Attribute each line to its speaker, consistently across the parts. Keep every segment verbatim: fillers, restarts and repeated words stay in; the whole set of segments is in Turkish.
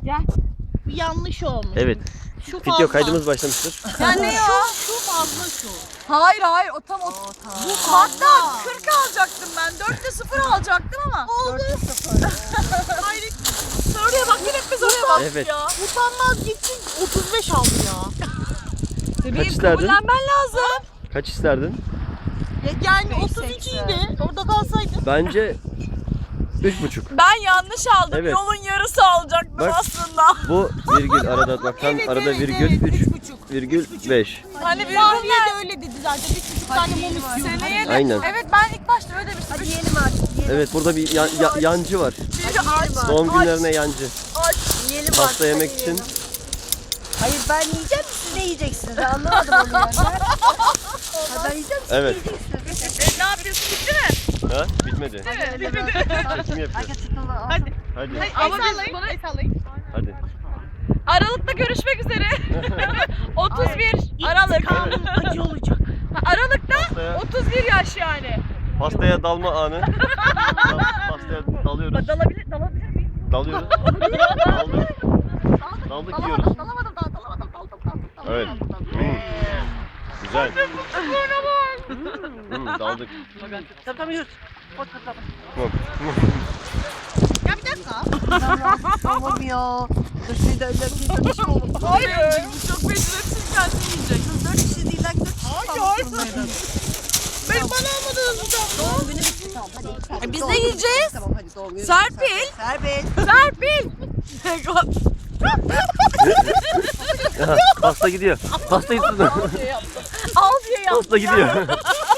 Speaker 1: Gel.
Speaker 2: Bir yanlış olmuş.
Speaker 3: Evet.
Speaker 2: Şu fazla.
Speaker 3: Video kaydımız başlamıştır.
Speaker 1: Ya ne ya?
Speaker 2: Şu fazla şu.
Speaker 1: Hayır hayır o tam o. Bu hatta kırk alacaktım ben. dörtte sıfır alacaktım ama.
Speaker 2: Oldu.
Speaker 1: Hayır. Oraya bak yine biz oraya bak
Speaker 3: Evet.
Speaker 1: ya.
Speaker 2: Utanmaz gitsin otuz beş aldı ya.
Speaker 1: Bebeğim
Speaker 3: isterdin?
Speaker 1: kabullenmen lazım.
Speaker 3: Kaç isterdin?
Speaker 2: Ya yani otuz iki idi. Orada kalsaydı.
Speaker 3: Bence üç buçuk.
Speaker 1: Ben yanlış aldım.
Speaker 3: Evet.
Speaker 1: Yolun yarısı alacaktım
Speaker 3: Bak.
Speaker 1: aslında.
Speaker 3: Bu virgül arada atmaktan arada virgül üç virgül beş.
Speaker 1: Hani bir
Speaker 2: Fahriye de öyle dedi zaten. Bir buçuk tane mum istiyorum.
Speaker 1: seneye de.
Speaker 3: Aynen.
Speaker 1: Evet ben ilk başta öyle demiştim.
Speaker 4: Hadi yiyelim artık. Yiyelim.
Speaker 3: Evet burada bir ya- ya- yancı var.
Speaker 1: Biri aç.
Speaker 3: Doğum günlerine yancı.
Speaker 4: Yiyelim
Speaker 3: Pasta
Speaker 4: artık,
Speaker 3: yemek
Speaker 4: hadi
Speaker 3: için.
Speaker 4: yiyelim. Hayır ben yiyeceğim, siz ne yiyeceksiniz? Ben anlamadım onu yani. Ha, ben yiyeceğim, siz
Speaker 3: Evet.
Speaker 4: ne yiyeceksiniz?
Speaker 1: E, ne yapıyorsun bitti mi?
Speaker 3: Ha? Bitmedi.
Speaker 1: Evet.
Speaker 3: Çekim yapıyoruz.
Speaker 4: Herkes tutuldu.
Speaker 2: Hadi.
Speaker 3: Hadi.
Speaker 1: Ama biz bunu
Speaker 3: Hadi.
Speaker 1: Aralık'ta görüşmek üzere. otuz bir Aralık.
Speaker 2: Acı olacak.
Speaker 1: Ha, Aralık'ta
Speaker 3: Pastaya,
Speaker 1: otuz bir yaş yani.
Speaker 3: pastaya dalma anı. Dal- Pastaya dalıyoruz.
Speaker 1: Dalabilir, dalabilir miyim?
Speaker 3: Dalıyoruz. Daldık. Daldık yiyoruz.
Speaker 1: Dalamadım, dal, dalamadım, dal, dal, dal, dal.
Speaker 3: Evet. Hmm. Güzel. Hmm, daldık.
Speaker 4: Tamam yürü.
Speaker 3: Yok.
Speaker 2: Ya bir dakika.
Speaker 4: Tamam ya. Dur şimdi de öyle bir tanışma olur.
Speaker 1: Hayır. Bu çok beceriksiz kendi yiyecek.
Speaker 4: Dört kişi değil, like dört kişi.
Speaker 2: Hayır. Ben bana almadınız bu da.
Speaker 4: Doğum günü bitti tamam hadi.
Speaker 1: E, biz
Speaker 4: Doğum
Speaker 1: de
Speaker 4: günü
Speaker 1: yiyeceğiz.
Speaker 4: bitti, Tamam hadi doğum günü.
Speaker 1: Serpil.
Speaker 4: Serpil.
Speaker 1: Serpil.
Speaker 3: Aha, pasta gidiyor. Pasta gidiyor.
Speaker 1: Al diye yaptım.
Speaker 3: Pasta gidiyor.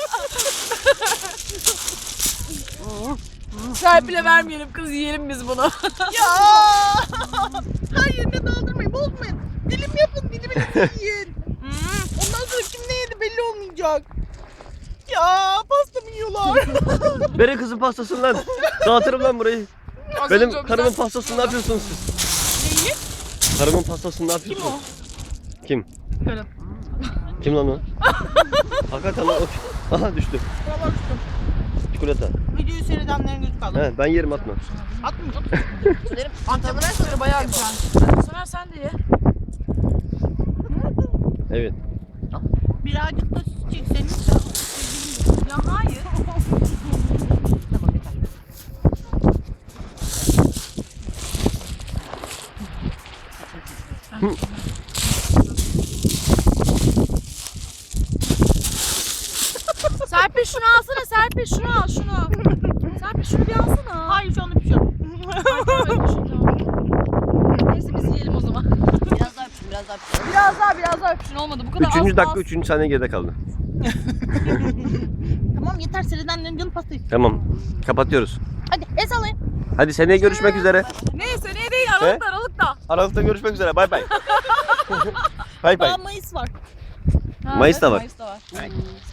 Speaker 1: Serpil'e vermeyelim kız, yiyelim biz bunu.
Speaker 2: Ya. Hayır ne daldırmayın bozmayın. Dilim yapın dilimini yiyin. Ondan sonra kim ne yedi belli olmayacak. Ya pasta mı yiyorlar?
Speaker 3: Verin kızın pastasını lan. Dağıtırım lan burayı.
Speaker 1: Az
Speaker 3: Benim
Speaker 1: önce o
Speaker 3: karımın
Speaker 1: güzel-
Speaker 3: pastasını ne yapıyorsunuz siz?
Speaker 1: Neyi?
Speaker 3: Karımın pastasını ne yapıyorsunuz?
Speaker 1: Kim o?
Speaker 3: Kim?
Speaker 1: Karım.
Speaker 3: Kim lan o? Hakikaten lan o. Aha düştü.
Speaker 2: Buralar tuttum.
Speaker 3: Çikolata.
Speaker 2: Videoyu seyredenlerin gözü kaldı.
Speaker 3: He, ben yerim atma.
Speaker 2: Atmayacağım.
Speaker 4: Antrenörler sonra
Speaker 1: Bayağı güzel. Soner sen de ye.
Speaker 3: Evet.
Speaker 2: Birazcık da süt çekseniz.
Speaker 1: Ya hayır. Serpil şunu alsana, Serpil şunu al şunu. Serpil şunu bir alsana.
Speaker 2: Hayır şu anda bir şey yok.
Speaker 1: Neyse biz yiyelim o zaman.
Speaker 4: Biraz daha öpüşün, biraz daha öpüşün.
Speaker 1: Biraz daha biraz daha öpüşün olmadı bu kadar.
Speaker 3: Üçüncü
Speaker 1: az-
Speaker 3: dakika,
Speaker 1: az.
Speaker 3: üçüncü saniye geride kaldı.
Speaker 2: Tamam yeter seyredenlerin canı pasta istiyor.
Speaker 3: Tamam. Kapatıyoruz.
Speaker 2: Hadi el sallayın.
Speaker 3: Hadi seneye görüşmek üzere.
Speaker 1: Neyse ne değil Aralık'ta Aralık'ta.
Speaker 3: Aralıkta görüşmek üzere. Bay bay. Bay bay.
Speaker 2: Daha Mayıs var.
Speaker 1: Ha,
Speaker 3: Mayıs'ta var.
Speaker 1: Mayıs'ta var.